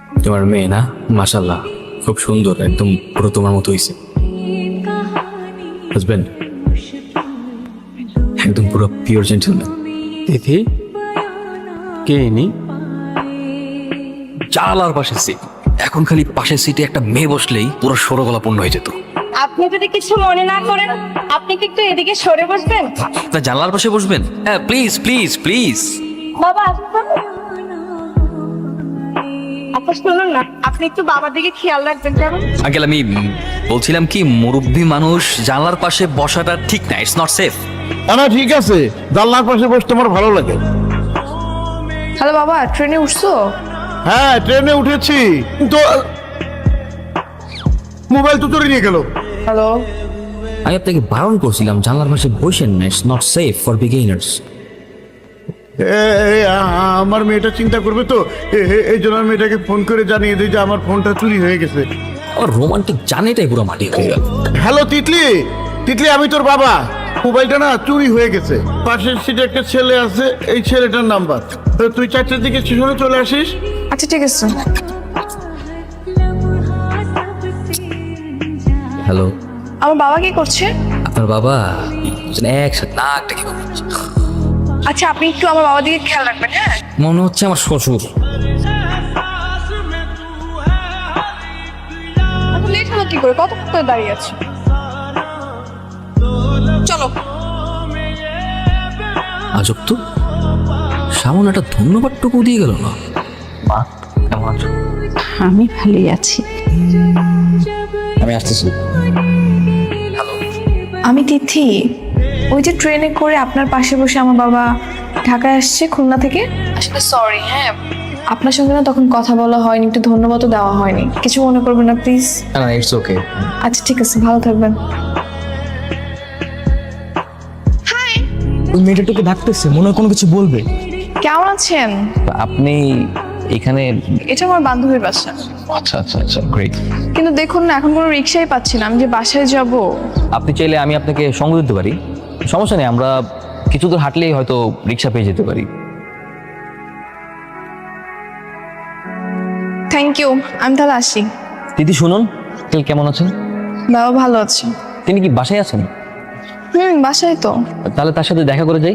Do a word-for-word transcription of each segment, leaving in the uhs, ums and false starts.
তোমার মেয়ে না, মাশাআল্লাহ খুব সুন্দর, একদম পুরো তোমার মতো হইছে। হাজবেন্ড একদম পুরো পিওর জেন্টলম্যান। তিথি কে ইনি? জানালার পাশের সিট, এখন খালি পাশের সিটে একটা মেয়ে বসলেই পুরো সরগলা পূর্ণ হয়ে যেত। আপনি যদি কিছু মনে না করেন, আপনি কি একটু এদিকে সরে বসবেন? তা জানালার পাশে বসবেন? হ্যাঁ প্লিজ প্লিজ প্লিজ। বাবা আসুন। আপনি শুনুন না, আপনি একটু বাবার দিকে খেয়াল রাখবেন। কেমন? আঙ্কেল আমি উম, বলছিলাম কি, মুরব্বী মানুষ জানলার পাশে বসাটা ঠিক না, ইটস নট সেফ। না না ঠিক আছে, জানলার পাশে বসতে আমার ভালো লাগে। হ্যালো বাবা, ট্রেনে উঠছো? হ্যাঁ ট্রেনে উঠেছি, কিন্তু মোবাইল তো চুরি নিয়ে গেল। হ্যালো, আমি আপনাকে বারণ করছিলাম জানলার পাশে বসেন না, it's not safe for beginners. আমার মেয়েটা চিন্তা করবে তো, এ- এ- এই জন্য আমি মেয়েটাকে ফোন করে জানিয়ে দিই যে আমার ফোনটা চুরি হয়ে গেছে। আমার রোমান্টিক জানেটাই পুরো মাটি হয়ে গেল। হ্যালো তিতলি, তিতলি আমি তোর বাবা। মোবাইলটা না চুরি হয়ে গেছে, পাশের সিটে একটা ছেলে আছে, এই ছেলেটার নাম্বার। তো তুই চারটার দিকে স্টেশনে চলে আসিস। আচ্ছা ঠিক আছে। হ্যালো, আমার বাবা কি করছে? আপনার বাবা একসাথে নাক ডেকে ঘুমাচ্ছে। আচ্ছা আপনি একটু আমার বাবার দিকে খেয়াল রাখবেন, হ্যাঁ? মনে হচ্ছে আমার শ্বশুর। এত লেট হলো কি করে? কতক্ষণ করে দাঁড়িয়ে আছে? চলো। আজব তো, সামনে একটা ধন্যবাদটুকু দিয়ে গেল না। মা কেমন আছো? আমি ভালোই আছি। আমি আসতেছি। আমি তিথি, ওই যে ট্রেনে করে আপনার পাশে বসে আমার বাবা ঢাকায় আসছে খুলনা থেকে। আসলে সরি, হ্যাঁ আপনার সঙ্গে না তখন কথা বলা হয়নি, একটু ধন্যবাদও দেওয়া হয়নি, কিছু মনে করবেন না প্লিজ। না না ইটস ওকে। আচ্ছা ঠিক আছে, ভালো থাকবেন। ওই মেয়েটাকে ডাকতেছে, মনে হয় কোনো কিছু বলবে। কেমন আছেন? আপনি এখানে? এটা আমার বান্ধবীর বাসা। আচ্ছা আচ্ছা আচ্ছা গ্রেট। কিন্তু দেখুন না, এখন কোনো রিক্সাই পাচ্ছি না, আমি যে বাসায় যাব। আপনি চাইলে আমি আপনাকে সঙ্গ দিতে পারি, সমস্যা নেই, আমরা কিছু দূর হাঁটলেই হয়তো রিক্সা পেয়ে যেতে পারি। থ্যাংক ইউ, আমি তাহলে আসি। দিদি শুনুন, আঙ্কেল কেমন আছেন? বাবা ভালো আছে। তিনি কি বাসায় আছেন? হুম বাসায় তো। তাহলে তার সাথে দেখা করে যাই।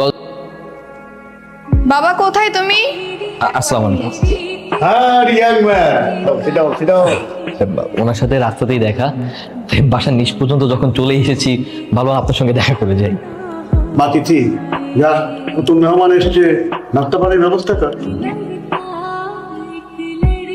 বাবা কোথায় তুমি? আ- আসসালামু আলাইকুম। হ্যাঁ ইয়াং ম্যান, সেটাও সেটাও ওনার সাথে রাস্তাতেই দেখা, বাসার নিচ পর্যন্ত যখন চলে এসেছি, ভালো আপনার সঙ্গে দেখা করে যাই। মা তিথি, যা নতুন মেহমান এসছে, নাস্তা পানির ব্যবস্থা কর।